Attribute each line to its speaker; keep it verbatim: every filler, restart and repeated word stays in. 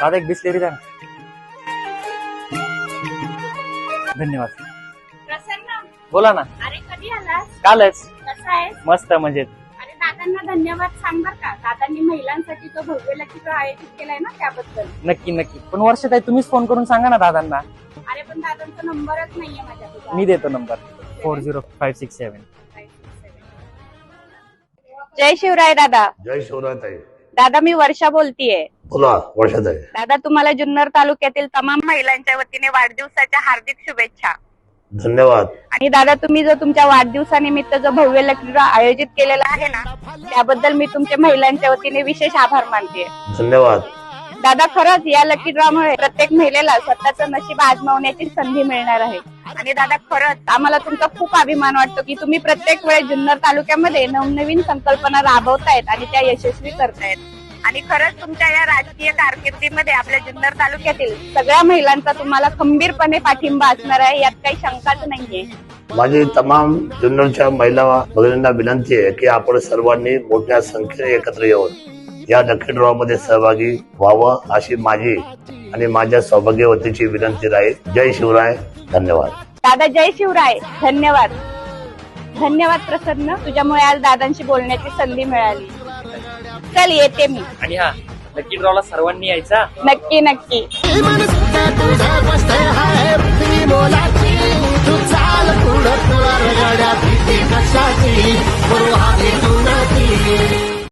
Speaker 1: दादा एक बिस्लेरी द्या ना. धन्यवाद.
Speaker 2: प्रसन्न,
Speaker 1: बोला ना.
Speaker 2: अरे कधी आलास?
Speaker 1: कालच.
Speaker 2: कसा आहेस?
Speaker 1: मस्त मजेत.
Speaker 2: अरे दादांना धन्यवाद सांग बर का. दादांनी महिलांसाठी जो भव्य लकी ड्रॉ आयोजित केलाय ना त्याबद्दल.
Speaker 1: नक्की नक्की. पण वर्षाताई तुम्हीच फोन करून सांगा ना दादांना.
Speaker 2: अरे पण दादांचा नंबरच नाहीये माझ्याकडे.
Speaker 1: मी देतो number. Four zero five six seven.
Speaker 2: जय शिवराय दादा.
Speaker 3: जय शिवराय ताई.
Speaker 2: दादा मी वर्षा बोलतीये.
Speaker 3: बोला वर्षात आहे.
Speaker 2: दादा तुम्हाला जुन्नर तालुक्यातील तमाम महिलांच्या वतीने वाढदिवसाच्या हार्दिक शुभेच्छा.
Speaker 3: धन्यवाद.
Speaker 2: आणि दादा तुम्ही जो तुमच्या वाढदिवसानिमित्त जो भव्य लकी ड्रॉ आयोजित केलेला आहे ना त्याबद्दल मी तुमच्या महिलांच्या वतीने विशेष आभार मानते.
Speaker 3: धन्यवाद.
Speaker 2: दादा खरंच या लकी ड्रॉ मुळे प्रत्येक महिलेला स्वतःचं नशीब आजमावण्याची संधी मिळणार आहे. आणि दादा खरंच आम्हाला तुमचा खूप अभिमान वाटतो की तुम्ही प्रत्येक वेळेस जुन्नर तालुक्यामध्ये नवनवीन संकल्पना राबवतायत आणि त्या यशस्वी करतायत. आणि खरंच तुमच्या या राजकीय कारकिर्दीमध्ये आपल्या जुन्नर तालुक्यातील सगळ्या महिलांचा तुम्हाला खंबीरपणे पाठिंबा असणार आहे यात काही शंकाच नाहीये.
Speaker 3: माझी तमाम जुन्नरच्या महिला भगिनींना विनंती आहे की आपण सर्वांनी मोठ्या संख्येने एकत्र येऊन या लकी ड्रॉ मध्ये सहभागी व्हावं अशी माझी आणि माझ्या सौभाग्यवतीची विनंती राहील. जय शिवराय. धन्यवाद.
Speaker 2: दादा जय शिवराय. धन्यवाद. धन्यवाद प्रसन्न. तुझ्यामुळे आज दादांशी बोलण्याची संधी मिळाली. चल येते मी.
Speaker 1: आणि हा लकी ड्रॉला सर्वांनी यायचा.
Speaker 2: नक्की नक्की.
Speaker 4: तू चाल पुढं तुला रगड्या भीती कशाची